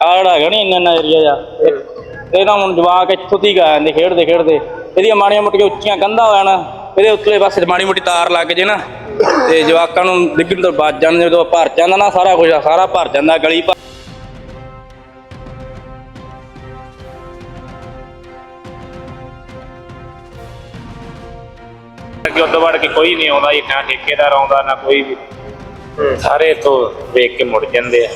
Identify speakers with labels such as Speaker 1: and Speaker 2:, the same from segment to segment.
Speaker 1: ਆੜ ਹੈਗਾ ਨੀ ਇੰਨਾ ਏਰੀਆ ਜਾ ਇਹ ਤਾਂ ਹੁਣ ਜਵਾਕ ਇੱਥੋਂ ਦੀ ਆ ਜਾਂਦੇ ਖੇਡਦੇ ਖੇਡਦੇ ਇਹਦੀਆਂ ਮਾੜੀਆਂ ਮੋਟੀਆਂ ਉੱਚੀਆਂ ਕੰਧਾਂ ਹੋ ਜਾਣ ਇਹਦੇ ਉੱਤਲੇ ਪਾਸੇ ਮਾੜੀ ਮੋਟੀ ਤਾਰ ਲੱਗ ਜੇ ਨਾ ਤੇ ਜਵਾਕਾਂ ਨੂੰ ਡਿੱਗਣ ਤੋਂ ਬਚ ਜਾਣ। ਜਦੋਂ ਭਰ ਜਾਂਦਾ ਨਾ ਸਾਰਾ ਕੁਝ ਸਾਰਾ ਭਰ ਜਾਂਦਾ ਗਲੀ
Speaker 2: ਉਦੋਂ ਵੜ ਕੇ ਕੋਈ ਨਹੀਂ ਆਉਂਦਾ ਜੀ, ਨਾ ਠੇਕੇਦਾਰ ਆਉਂਦਾ ਨਾ ਕੋਈ ਵੀ, ਸਾਰੇ ਇੱਥੋਂ ਵੇਖ ਕੇ ਮੁੜ ਜਾਂਦੇ ਆ।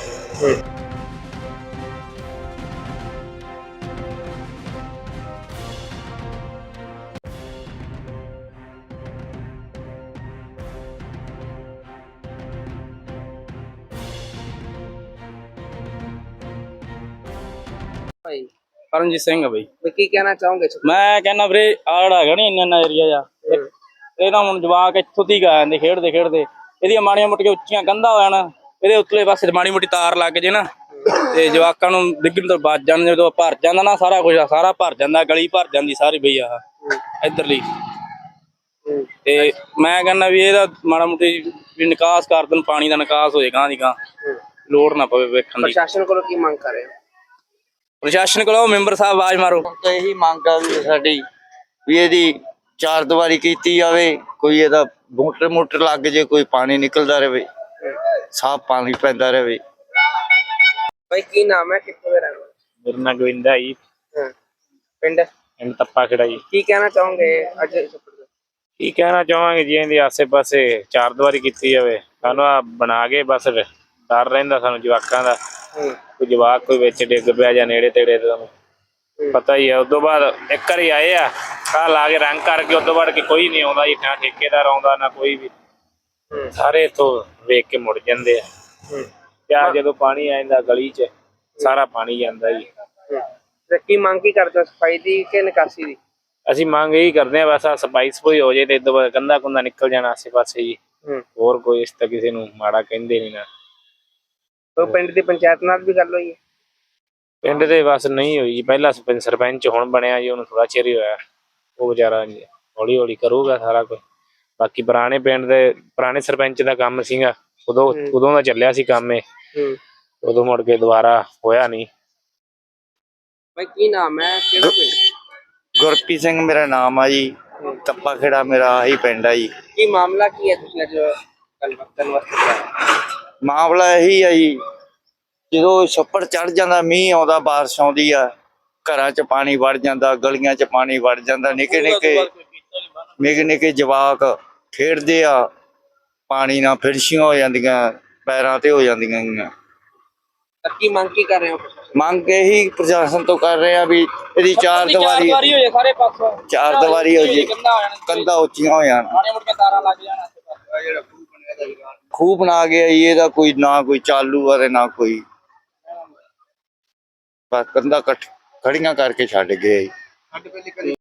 Speaker 1: ਕਰਨਜੀਤ ਸਿੰਘ ਆ ਬਈ।
Speaker 3: ਕੀ ਕਹਿਣਾ ਚਾਹੋਗੇ?
Speaker 1: ਮੈਂ ਕਹਿੰਦਾ ਵੀਰੇ ਆੜ ਹੈਗਾ ਨੀ ਇੰਨਾ ਏਰੀਆ ਜਾ ਇਹ ਤਾਂ ਹੁਣ ਜਵਾਕ ਇੱਥੋਂ ਦੀ ਆ ਜਾਂਦੇ ਖੇਡਦੇ ਖੇਡਦੇ ਇਹਦੀਆਂ ਮਾੜੀਆਂ ਮੋਟੀਆਂ ਉੱਚੀਆਂ ਕੰਧਾਂ ਹੋ ਜਾਣ ਇਹਦੇ ਉੱਤਲੇ ਪਾਸੇ ਮਾੜੀ ਮੋਟੀ ਤਾਰ ਲੱਗ ਜੇ ਨਾ ਤੇ ਜਵਾਕਾਂ ਨੂੰ ਡਿੱਗਣ ਤੋਂ ਬਚ ਜਾਣ। ਜਦੋਂ ਭਰ ਜਾਂਦਾ ਨਾ ਸਾਰਾ ਕੁਝ ਸਾਰਾ ਭਰ ਜਾਂਦਾ ਗਲੀ ਭਰ ਜਾਂਦੀ ਸਾਰੀ ਬਈ ਆਹ ਇੱਧਰਲੀ। ਤੇ ਮੈਂ ਕਹਿੰਦਾ ਵੀ ਇਹਦਾ ਮਾੜਾ ਮੋਟੀ ਵੀ ਨਿਕਾਸ ਕਰ ਦੇਣ, ਪਾਣੀ ਦਾ ਨਿਕਾਸ ਹੋ ਜਾਏ ਗਾਂ ਦੀ ਗਾਂ, ਲੋੜ ਨਾ ਪਵੇ ਵੇਖਣ ਦੀ।
Speaker 3: ਪ੍ਰਸ਼ਾਸਨ ਕੋਲੋਂ ਕੀ ਮੰਗ ਕਰ ਰਹੇ ਹੋ?
Speaker 1: ਪ੍ਰਸ਼ਾਸਨ ਕੋਲੋਂ ਮੈਂਬਰ ਸਾਹਿਬ ਆਵਾਜ਼ ਮਾਰੋ।
Speaker 4: ਤਾਂ ਇਹੀ ਮੰਗ ਆ ਵੀ ਸਾਡੀ ਵੀ ਇਹਦੀ ਚਾਰ ਦੀਵਾਰੀ ਕੀਤੀ ਜਾਵੇ, ਕੋਈ ਇਹਦਾ ਮੋਟਰ ਲੱਗ ਜੇ, ਕੋਈ ਪਾਣੀ ਨਿਕਲਦਾ ਰਹੇ, ਸਾਫ ਪਾਣੀ ਪੈਂਦਾ ਰਹੇ।
Speaker 3: ਭਾਈ ਕੀ ਨਾਮ ਹੈ, ਕਿੱਥੋਂ ਦੇ ਰਹਿਣ ਵਾਲੇ?
Speaker 2: ਮੇਰਾ ਨਾਂ ਗੋਵਿੰਦਾ ਜੀ,
Speaker 3: ਪਿੰਡ
Speaker 2: ਤੱਪਾ ਖੇੜਾ ਜੀ।
Speaker 3: ਕੀ ਕਹਿਣਾ ਚਾਹੋਗੇ ਅੱਜ?
Speaker 2: ਕੀ ਕਹਿਣਾ ਚਾਹਾਂਗੇ ਜੀ, ਇਹਦੇ ਆਸੇ ਪਾਸੇ ਚਾਰ ਦੀਵਾਰੀ ਕੀਤੀ ਜਾਵੇ, ਸਾਨੂੰ ਆ ਬਣਾ ਕੇ ਬਸ ਡਰ ਰਹਿੰਦਾ ਸਾਨੂੰ ਜਵਾਕਾਂ ਦਾ, ਕੋਈ ਜਵਾਕ ਕੋਈ ਵਿੱਚ ਡਿੱਗ ਪਿਆ ਜਾਂ ਨੇੜੇ ਤੇੜੇ ਤੁਹਾਨੂੰ ਪਤਾ ਹੀ ਆ। ਉਦੋਂ ਬਾਅਦ ਇੱਕ ਵਾਰੀ ਆਏ ਆ ਘਰ ਲਾ ਕੇ ਰੰਗ ਕਰਕੇ, ਉਦੋਂ ਬਾਅਦ ਕਿ ਕੋਈ ਨਹੀਂ ਆਉਂਦਾ ਜੀ, ਨਾ ਠੇਕੇਦਾਰ ਆਉਂਦਾ ਨਾ ਕੋਈ ਵੀ, ਸਾਰੇ ਇੱਥੋਂ ਵੇਖ ਕੇ ਮੁੜ ਜਾਂਦੇ ਆ। ਤੇ ਜਦੋਂ ਪਾਣੀ ਆ ਜਾਂਦਾ ਗਲੀ 'ਚ ਸਾਰਾ ਪਾਣੀ ਜਾਂਦਾ ਜੀ।
Speaker 3: ਕੀ ਮੰਗ ਕੀ ਕਰਦੇ ਹੋ, ਸਫਾਈ ਦੀ ਕਿ ਨਿਕਾਸੀ ਦੀ?
Speaker 2: ਅਸੀਂ ਮੰਗ ਇਹੀ ਕਰਦੇ ਹਾਂ ਬਸ ਆ ਸਫਾਈ ਸਫੂਈ ਹੋ ਜਾਏ ਤੇ ਇਦੋਂ ਬਾਅਦ ਕੰਧਾ ਕੁੰਧਾ ਨਿਕਲ ਜਾਣਾ ਆਸੇ ਪਾਸੇ ਜੀ। ਹੋਰ ਕੋਈ ਇਸ ਤਾਂ ਕਿਸੇ ਨੂੰ ਮਾੜਾ ਕਹਿੰਦੇ ਨਹੀਂ ਨਾ।
Speaker 3: ਪਿੰਡ ਦੀ ਪੰਚਾਇਤ ਨਾਲ ਵੀ ਗੱਲ ਹੋਈ ਹੈ?
Speaker 2: ਪਿੰਡ ਦੇ ਬਸ ਨਹੀਂ ਹੋਈ ਜੀ, ਪਹਿਲਾਂ ਸਰਪੰਚ ਹੁਣ ਬਣਿਆ ਜੀ, ਉਹਨੂੰ ਥੋੜਾ ਚਿਰ ਹੀ ਹੋਇਆ, ਉਹ ਵਿਚਾਰਾ ਹੌਲੀ ਹੌਲੀ ਕਰੂਗਾ ਸਾਰਾ ਕੁਝ। ਬਾਕੀ ਪੁਰਾਣੇ ਪਿੰਡ ਦੇ ਪੁਰਾਣੇ ਸਰਪੰਚ ਦਾ ਕੰਮ ਸੀਗਾ, ਉਦੋਂ ਦਾ ਚੱਲਿਆ ਸੀ ਕੰਮ ਇਹ, ਉਦੋਂ ਮੁੜ ਕੇ ਦੁਬਾਰਾ ਹੋਇਆ ਨਹੀਂ।
Speaker 3: ਭਾਈ ਕੀ ਨਾਮ ਹੈ, ਕਿਹੜਾ ਪਿੰਡ?
Speaker 4: ਗੁਰਪ੍ਰੀਤ ਸਿੰਘ ਮੇਰਾ ਨਾਮ ਆ ਜੀ, ਤੱਪਾ ਖੇੜਾ ਮੇਰਾ ਆਹੀ ਪਿੰਡ ਆ ਜੀ।
Speaker 3: ਕੀ ਮਾਮਲਾ ਕੀ ਹੈ ਤੁਸੀਂ ਅੱਜ ਗੱਲਬਾਤ ਕਰਨ ਵਾਸਤੇ?
Speaker 4: ਮਾਮਲਾ ਇਹੀ ਆ ਜੀ, ਜਦੋਂ ਛੱਪੜ ਚੜ ਜਾਂਦਾ, ਮੀਂਹ ਆਉਂਦਾ, ਬਾਰਿਸ਼ ਆਉਂਦੀ ਆ, ਘਰਾਂ 'ਚ ਪਾਣੀ ਵੜ ਜਾਂਦਾ, ਗਲੀਆਂ 'ਚ ਪਾਣੀ ਵੜ ਜਾਂਦਾ, ਨਿੱਕੇ ਨਿੱਕੇ ਜਵਾਕ ਖੇਡਦੇ ਆ, ਪਾਣੀ ਨਾਲ ਫਿਰਸ਼ੀਆਂ ਹੋ ਜਾਂਦੀਆਂ, ਪੈਰਾਂ ਤੇ ਹੋ ਜਾਂਦੀਆਂ।
Speaker 3: ਕੀ ਮੰਗ ਕੀ ਕਰ ਰਹੇ ਹੋ?
Speaker 4: ਮੰਗ ਇਹੀ ਪ੍ਰਸ਼ਾਸਨ ਤੋਂ ਕਰ ਰਹੇ ਆ ਵੀ ਇਹਦੀ ਚਾਰ ਦੀਵਾਰੀ
Speaker 1: ਹੋ ਜਾਏ ਸਾਰੇ ਪਾਸੋਂ,
Speaker 4: ਚਾਰ ਦੀਵਾਰੀ ਹੋ ਜੇ, ਕੰਧਾਂ ਉੱਚੀਆਂ ਹੋ ਜਾਣ,
Speaker 1: ਮਾੜੀਆਂ ਮੋਟੀਆਂ ਤਾਰਾਂ ਲੱਗ ਜਾਣ।
Speaker 4: ਖੂਹ ਬਣਾ ਗਿਆ ਜੀ, ਇਹਦਾ ਕੋਈ ਨਾ ਕੋਈ ਚਾਲੂ ਆ ਤੇ ਨਾ ਕੋਈ, ਬਸ ਕੰਧਾਂ ਖੜੀਆਂ ਕਰਕੇ ਛੱਡ ਗਏ ਜੀ।